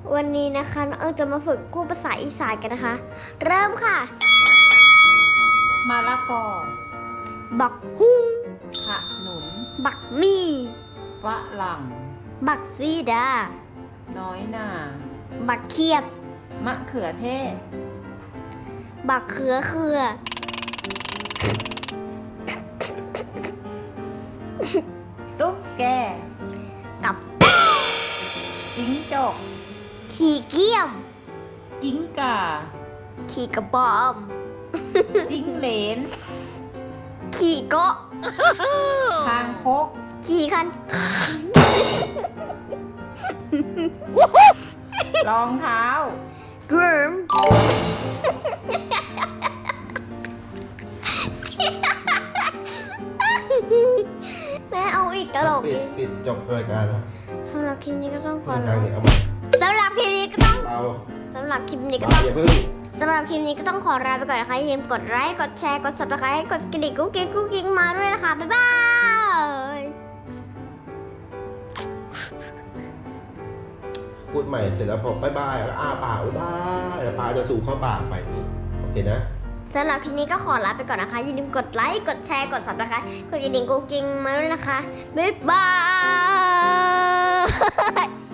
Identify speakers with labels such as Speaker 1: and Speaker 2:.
Speaker 1: วันนี้นะคะน้องเอิงจะมาฝึกพูดภาษาอีสานกันนะคะ เริ่มค่ะ
Speaker 2: มะละกอ
Speaker 1: บักฮุ้ง
Speaker 2: ขนุน
Speaker 1: บักมี
Speaker 2: ฝรั่ง
Speaker 1: บักซีดา
Speaker 2: น้อยหน่า
Speaker 1: บักเขียบ
Speaker 2: มะเขือเทศ
Speaker 1: บักเขือ
Speaker 2: ตุ๊กแก
Speaker 1: กับ
Speaker 2: จิ้งจก
Speaker 1: ขี่เกี้ยม
Speaker 2: จิ้งก่า
Speaker 1: ขี่กระบอม
Speaker 2: จิ้งเหลน
Speaker 1: ขี่เกาะ
Speaker 2: คางคก
Speaker 1: ขี่คัน
Speaker 2: รองเท้า
Speaker 1: กรึมแม่เอาอีกตลก
Speaker 3: ปิดจบรายการแล้ว
Speaker 1: สำหรับคลิปนี้ก็ต้องขอ
Speaker 3: ดังเนี่ยเอามา
Speaker 1: สำหรับคลิปนี้ก็ต้อง
Speaker 3: เบา
Speaker 1: สำหรับคลิปนี้ก็ต้อง
Speaker 3: อย่าเพิ่ง
Speaker 1: สำหรับคลิปนี้ก็ต้องขอลาไปก่อนนะคะอย่าลืมกดไลค์กดแชร์กด subscribe กดกระดิ่งกุ๊กกิ๊งมาด้วยนะคะบ๊ายบาย
Speaker 3: พูดใหม่เสร็จแล้วพอบ๊ายบายแล้วอ้าปากบ๊ายบายแล้วปากจะสู่เข้าปากไปนี่โอเคนะ
Speaker 1: สำหรับคลิปนี้ก็ขอลาไปก่อนนะคะอย่าลืมกดไลค์กดแชร์กด subscribe กดกระดิ่งกุ๊กกิ๊งมาด้วยนะคะบ๊ายบาย